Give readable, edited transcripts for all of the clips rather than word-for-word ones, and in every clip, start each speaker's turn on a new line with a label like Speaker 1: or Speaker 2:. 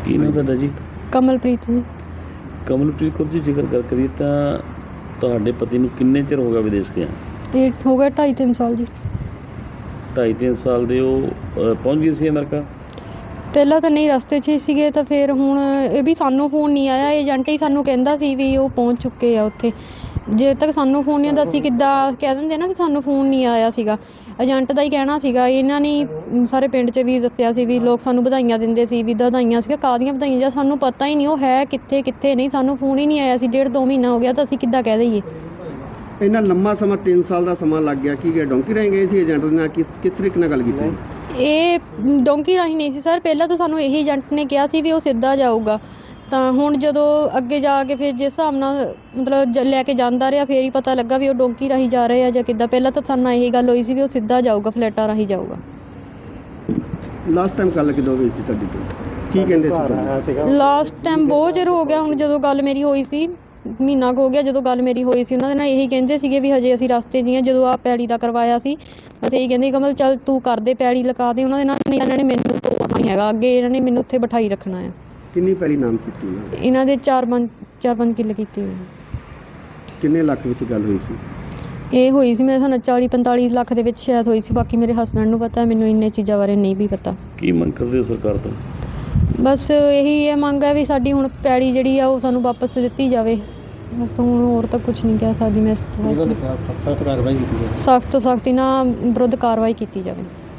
Speaker 1: ਕੀ ਨਾਮ ਤੁਹਾਡਾ ਜੀ?
Speaker 2: ਕਮਲਪ੍ਰੀਤ ਜੀ।
Speaker 1: ਕਮਲਪ੍ਰੀਤ ਕੌਰ ਜੀ, ਜੇਕਰ ਗੱਲ ਕਰੀਏ ਤਾਂ ਤੁਹਾਡੇ ਪਤੀ ਨੂੰ ਕਿੰਨੇ ਚਿਰ ਹੋ ਗਿਆ ਵਿਦੇਸ਼ ਗਿਆ?
Speaker 2: ਇਹ ਹੋ ਗਿਆ 2.5-3 ਸਾਲ ਜੀ।
Speaker 1: 2.5-3 ਸਾਲ ਦੇ ਉਹ ਪਹੁੰਚ ਗਏ ਸੀ ਅਮਰੀਕਾ?
Speaker 2: ਪਹਿਲਾਂ ਤਾਂ ਨਹੀਂ, ਰਸਤੇ 'ਚ ਹੀ ਸੀਗੇ, ਤਾਂ ਫਿਰ ਹੁਣ ਇਹ ਵੀ ਸਾਨੂੰ ਫੋਨ ਨਹੀਂ ਆਇਆ। ਏਜੰਟ ਹੀ ਸਾਨੂੰ ਕਹਿੰਦਾ ਸੀ ਵੀ ਉਹ ਪਹੁੰਚ ਚੁੱਕੇ ਆ ਉੱਥੇ। ਜੇ ਤੱਕ ਸਾਨੂੰ ਫੋਨ ਨਹੀਂ ਆਉਂਦਾ ਅਸੀਂ ਕਿੱਦਾਂ ਕਹਿ ਦਿੰਦੇ ਨਾ ਵੀ ਸਾਨੂੰ ਫੋਨ ਨਹੀਂ ਆਇਆ ਸੀਗਾ। ਏਜੰਟ ਦਾ ਹੀ ਕਹਿਣਾ ਸੀਗਾ। ਇਹਨਾਂ ਨੇ ਸਾਰੇ ਪਿੰਡ 'ਚ ਵੀ ਦੱਸਿਆ ਸੀ ਵੀ ਲੋਕ ਸਾਨੂੰ ਵਧਾਈਆਂ ਦਿੰਦੇ ਸੀ, ਵੀ ਵਧਾਈਆਂ ਸੀਗਾ, ਕਾਹਦੀਆਂ ਵਧਾਈਆਂ, ਜਾਂ ਸਾਨੂੰ ਪਤਾ ਹੀ ਨਹੀਂ ਉਹ ਹੈ ਕਿੱਥੇ ਕਿੱਥੇ ਨਹੀਂ। ਸਾਨੂੰ ਫੋਨ ਹੀ ਨਹੀਂ ਆਇਆ ਸੀ। 1.5-2 ਮਹੀਨਾ ਹੋ ਗਿਆ, ਤਾਂ ਅਸੀਂ ਕਿੱਦਾਂ ਕਹਿ ਦਈਏ।
Speaker 3: ਇੰਨਾ ਲੰਮਾ ਸਮਾਂ 3 ਸਾਲ ਦਾ ਸਮਾਂ ਲੱਗ ਗਿਆ। ਕੀ ਡੋਂਕੀ ਰਾਹੀਂ ਗਏ ਸੀ ਏਜੰਟ ਦੇ ਨਾਲ? ਕਿਸ ਤਰੀਕੇ ਨਾਲ ਗੱਲ ਕੀਤੀ?
Speaker 2: ਇਹ ਡੋਂਕੀ ਰਾਹੀਂ ਨਹੀਂ ਸੀ ਸਰ। ਪਹਿਲਾਂ ਤਾਂ ਸਾਨੂੰ ਇਹੀ ਏਜੰਟ ਨੇ ਕਿਹਾ ਸੀ ਵੀ ਉਹ ਸਿੱਧਾ ਜਾਊਗਾ। ਤਾਂ ਹੁਣ ਜਦੋਂ ਅੱਗੇ ਜਾ ਕੇ ਫਿਰ ਜਿਸ ਹਿਸਾਬ ਨਾਲ ਮਤਲਬ ਲੈ ਕੇ ਜਾਂਦਾ ਰਿਹਾ, ਫਿਰ ਹੀ ਪਤਾ ਲੱਗਾ ਵੀ ਉਹ ਡੋਂਕੀ ਰਾਹੀਂ ਜਾ ਰਹੇ ਆ ਜਾਂ ਕਿੱਦਾਂ। ਪਹਿਲਾਂ ਤਾਂ ਸਾਨੂੰ ਇਹੀ ਗੱਲ ਹੋਈ ਸੀ ਵੀ ਉਹ ਸਿੱਧਾ ਜਾਊਗਾ, ਫਲੈਟਾਂ ਰਾਹੀਂ ਜਾਊਗਾ।
Speaker 3: ਲਾਸਟ ਟਾਈਮ ਗੱਲ ਕਿਦੋਂ ਹੋਈ ਸੀ ਤੁਹਾਡੀ ਤੋਂ? ਕੀ ਕਹਿੰਦੇ ਸੀ?
Speaker 2: ਲਾਸਟ ਟਾਈਮ ਬਹੁਤ ਚਿਰ ਹੋ ਗਿਆ ਹੁਣ। ਜਦੋਂ ਗੱਲ ਮੇਰੀ ਹੋਈ ਸੀ, ਮਹੀਨਾ ਕੁ ਹੋ ਗਿਆ ਜਦੋਂ ਗੱਲ ਮੇਰੀ ਹੋਈ ਸੀ। ਉਹਨਾਂ ਦੇ ਨਾਲ ਇਹੀ ਕਹਿੰਦੇ ਸੀਗੇ ਵੀ ਹਜੇ ਅਸੀਂ ਰਸਤੇ 'ਚ ਹੀ ਹਾਂ। ਜਦੋਂ ਆਹ ਪੈੜੀ ਦਾ ਕਰਵਾਇਆ ਸੀ, ਬਸ ਇਹੀ ਕਹਿੰਦੇ ਕਮਲ ਚੱਲ ਤੂੰ ਕਰਦੇ, ਪੈੜੀ ਲਗਾ ਦੇ। ਉਹਨਾਂ ਦੇ ਨਾਲ ਇਹਨਾਂ ਨੇ ਮੈਨੂੰ ਤੋੜਨਾ ਨਹੀਂ ਹੈਗਾ, ਅੱਗੇ ਇਹਨਾਂ ਨੇ ਮੈਨੂੰ ਉੱਥੇ ਬਿਠਾਈ ਰੱਖਣਾ ਆ।
Speaker 3: ਕਿੰਨੀ ਪੈਲੀ ਨਾਮ ਕੀਤੀ
Speaker 2: ਇਹਨਾਂ ਦੇ 4-5 ਕਿੱਲੇ ਕੀਤੇ ਹੋਏ।
Speaker 3: ਕਿੰਨੇ ਲੱਖ ਵਿੱਚ ਗੱਲ ਹੋਈ ਸੀ?
Speaker 2: ਇਹ ਹੋਈ ਸੀ ਮੇਰੇ ਸਾਨੂੰ 40-45 ਲੱਖ ਦੇ ਵਿੱਚ ਸ਼ਾਇਦ ਹੋਈ ਸੀ। ਬਾਕੀ ਮੇਰੇ ਹਸਬੈਂਡ ਨੂੰ ਪਤਾ, ਮੈਨੂੰ ਇੰਨੇ ਚੀਜ਼ਾਂ ਬਾਰੇ ਨਹੀਂ ਵੀ ਪਤਾ।
Speaker 1: ਕੀ ਮੰਗ ਕਰਦੇ ਹੋ ਸਰਕਾਰ ਤੋਂ?
Speaker 2: ਬਸ ਇਹੀ ਇਹ ਮੰਗ ਹੈ ਵੀ ਸਾਡੀ ਹੁਣ ਪੈੜੀ ਜਿਹੜੀ ਆ ਉਹ ਸਾਨੂੰ ਵਾਪਸ ਦਿੱਤੀ ਜਾਵੇ। ਬਸ ਹੁਣ ਹੋਰ ਤਾਂ ਕੁਝ ਨਹੀਂ ਕਹਿ ਸਕਦੀ ਮੈਂ ਇਸ ਤੋਂ।
Speaker 3: ਸਖਤ ਕਾਰਵਾਈ ਕੀਤੀ ਜਾਵੇ।
Speaker 2: ਸਖਤ ਤੋਂ ਸਖਤ ਇਹਨਾਂ ਵਿਰੁੱਧ ਕਾਰਵਾਈ ਕੀਤੀ ਜਾਵੇ।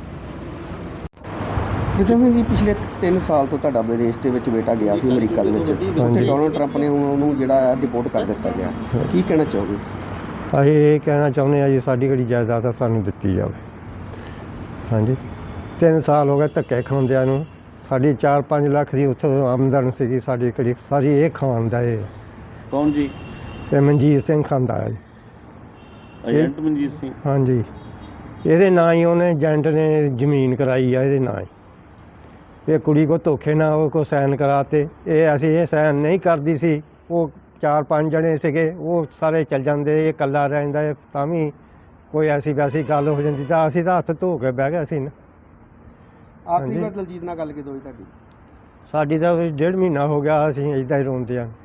Speaker 3: ਜਿਵੇਂ ਜੀ ਪਿਛਲੇ 3 ਸਾਲ ਤੋਂ ਤੁਹਾਡਾ ਵਿਦੇਸ਼ ਦੇ ਵਿੱਚ ਬੇਟਾ ਗਿਆ ਸੀ ਅਮਰੀਕਾ ਦੇ ਵਿੱਚ, ਉੱਥੇ ਡੋਨਲਡ ਟਰੰਪ ਨੇ ਹੁਣ ਉਹਨੂੰ ਜਿਹੜਾ ਡਿਪੋਰਟ ਕਰ ਦਿੱਤਾ ਗਿਆ। ਕੀ ਕਹਿਣਾ ਚਾਹੋਗੇ?
Speaker 4: ਅਸੀਂ ਇਹ ਕਹਿਣਾ ਚਾਹੁੰਦੇ ਹਾਂ ਜੀ, ਸਾਡੀ ਜਿਹੜੀ ਜਾਇਦਾਦ ਸਾਨੂੰ ਦਿੱਤੀ ਜਾਵੇ। ਹਾਂਜੀ, 3 ਸਾਲ ਹੋ ਗਏ ਧੱਕੇ ਖਾਂਦਿਆਂ ਨੂੰ। ਸਾਡੀ 4-5 ਲੱਖ ਦੀ ਉੱਥੋਂ ਆਮਦਨ ਸੀਗੀ, ਸਾਡੀ ਕਿਹੜੀ ਸਾਰੀ ਇਹ ਖਾਂਦਾ ਹੈ।
Speaker 1: ਕੌਣ ਜੀ?
Speaker 4: ਇਹ ਮਨਜੀਤ ਸਿੰਘ ਖਾਂਦਾ ਹੈ ਜੀ।
Speaker 1: ਏਜੰਟ ਮਨਜੀਤ ਸਿੰਘ?
Speaker 4: ਹਾਂਜੀ, ਇਹਦੇ ਨਾਂ ਹੀ ਉਹਨੇ ਏਜੰਟ ਨੇ ਜ਼ਮੀਨ ਕਰਾਈ ਆ ਇਹਦੇ ਨਾਂ ਹੀ। ਇਹ ਕੁੜੀ ਕੋ ਧੋਖੇ ਨਾਲ ਉਹ ਕੋ ਸਾਈਨ ਕਰਾਤੇ। ਇਹ ਸਾਈਨ ਨਹੀਂ ਕਰਦੀ ਸੀ। ਉਹ 4-5 ਜਣੇ ਸੀਗੇ, ਉਹ ਸਾਰੇ ਚੱਲ ਜਾਂਦੇ, ਇਹ ਇਕੱਲਾ ਰਹਿੰਦਾ। ਤਾਂ ਵੀ ਕੋਈ ਐਸੀ ਵੈਸੀ ਗੱਲ ਹੋ ਜਾਂਦੀ ਤਾਂ ਅਸੀਂ ਤਾਂ ਹੱਥ ਧੋ ਕੇ ਬਹਿ ਗਏ ਸੀ ਨਾ।
Speaker 3: ਆਖਰੀ ਵਾਰ ਦਲਜੀਤ ਨਾਲ ਗੱਲ ਕਿਦੋਂ ਹੋਈ ਤੁਹਾਡੀ?
Speaker 4: ਸਾਡੀ ਤਾਂ 1.5 ਮਹੀਨਾ ਹੋ ਗਿਆ, ਅਸੀਂ ਇੱਦਾਂ ਹੀ ਰੋਂਦੇ ਹਾਂ।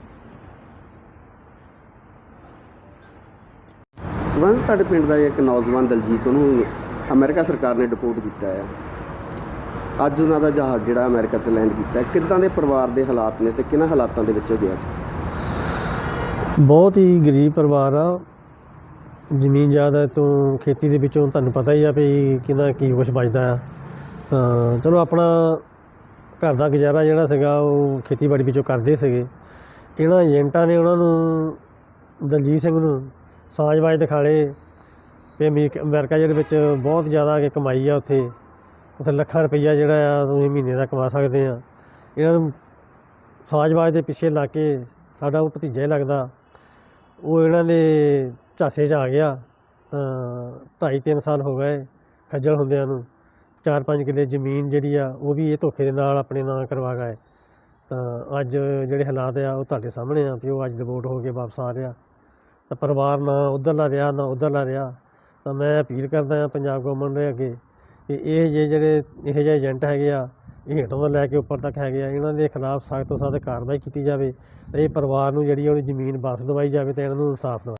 Speaker 3: ਸਬੰਧ ਤੁਹਾਡੇ ਪਿੰਡ ਦਾ ਇੱਕ ਨੌਜਵਾਨ ਦਲਜੀਤ, ਉਹਨੂੰ ਅਮਰੀਕਾ ਸਰਕਾਰ ਨੇ ਡਿਪੋਰਟ ਕੀਤਾ ਹੈ। ਅੱਜ ਉਹਨਾਂ ਦਾ ਜਹਾਜ਼ ਜਿਹੜਾ ਅਮਰੀਕਾ 'ਤੇ ਲੈਂਡ ਕੀਤਾ, ਕਿੱਦਾਂ ਦੇ ਪਰਿਵਾਰ ਦੇ ਹਾਲਾਤ ਨੇ ਤੇ ਕਿਹਨਾਂ ਹਾਲਾਤਾਂ ਦੇ ਵਿੱਚ ਗਿਆ ਸੀ?
Speaker 5: ਬਹੁਤ ਹੀ ਗਰੀਬ ਪਰਿਵਾਰ ਆ। ਜ਼ਮੀਨ ਜਾਇਦਾਦ ਤੋਂ, ਖੇਤੀ ਦੇ ਵਿੱਚੋਂ ਤੁਹਾਨੂੰ ਪਤਾ ਹੀ ਆ ਵੀ ਕਿਹਦਾ ਕੀ ਕੁਛ ਬਚਦਾ ਆ। ਤਾਂ ਚਲੋ ਆਪਣਾ ਘਰ ਦਾ ਗੁਜ਼ਾਰਾ ਜਿਹੜਾ ਸੀਗਾ ਉਹ ਖੇਤੀਬਾੜੀ ਵਿੱਚੋਂ ਕਰਦੇ ਸੀਗੇ। ਇਹਨਾਂ ਏਜੰਟਾਂ ਨੇ ਉਹਨਾਂ ਨੂੰ, ਦਲਜੀਤ ਸਿੰਘ ਨੂੰ ਸਾਜ਼ਬਾਜ਼ ਦਿਖਾਲੇ ਵੀ ਅਮਰੀਕਾ ਜਿਹੜੇ ਵਿੱਚ ਬਹੁਤ ਜ਼ਿਆਦਾ ਕਮਾਈ ਆ। ਉੱਥੇ ਲੱਖਾਂ ਰੁਪਈਆ ਜਿਹੜਾ ਆ ਤੁਸੀਂ ਮਹੀਨੇ ਦਾ ਕਮਾ ਸਕਦੇ ਆ। ਇਹਨਾਂ ਨੂੰ ਸਾਜ਼ਬਾਜ਼ ਦੇ ਪਿੱਛੇ ਲਾ ਕੇ, ਸਾਡਾ ਉਹ ਭਤੀਜਾ ਹੀ ਲੱਗਦਾ, ਉਹ ਇਹਨਾਂ ਦੇ ਝਾਸੇ 'ਚ ਆ ਗਿਆ। ਤਾਂ 2.5-3 ਸਾਲ ਹੋ ਗਏ ਖੱਜਲ ਹੁੰਦਿਆਂ ਨੂੰ। 4-5 ਕਿੱਲੇ ਜ਼ਮੀਨ ਜਿਹੜੀ ਆ ਉਹ ਵੀ ਇਹ ਧੋਖੇ ਦੇ ਨਾਲ ਆਪਣੇ ਨਾਂ ਕਰਵਾ ਗਏ। ਤਾਂ ਅੱਜ ਜਿਹੜੇ ਹਾਲਾਤ ਆ ਉਹ ਤੁਹਾਡੇ ਸਾਹਮਣੇ ਆ ਵੀ ਉਹ ਅੱਜ ਡਿਪੋਰਟ ਹੋ ਕੇ ਵਾਪਸ ਆ ਰਿਹਾ। ਤਾਂ ਪਰਿਵਾਰ ਨਾ ਉੱਧਰਲਾ ਰਿਹਾ ਨਾ ਉੱਧਰਲਾ ਰਿਹਾ। ਤਾਂ ਮੈਂ ਅਪੀਲ ਕਰਦਾ ਹਾਂ ਪੰਜਾਬ ਗੌਰਮੈਂਟ ਦੇ ਅੱਗੇ ਕਿ ਇਹ ਜਿਹੇ ਏਜੰਟ ਹੈਗੇ ਆ, ਇਹ ਹੇਠੋਂ ਤੋਂ ਲੈ ਕੇ ਉੱਪਰ ਤੱਕ ਹੈਗੇ ਆ, ਇਹਨਾਂ ਦੇ ਖਿਲਾਫ ਸਖਤ ਤੋਂ ਸਖਤ ਕਾਰਵਾਈ ਕੀਤੀ ਜਾਵੇ। ਅਤੇ ਇਹ ਪਰਿਵਾਰ ਨੂੰ ਜਿਹੜੀ ਉਹਦੀ ਜ਼ਮੀਨ ਵਾਪਸ ਦਵਾਈ ਜਾਵੇ ਅਤੇ ਇਹਨਾਂ ਨੂੰ ਇਨਸਾਫ ਦਵਾਇਆ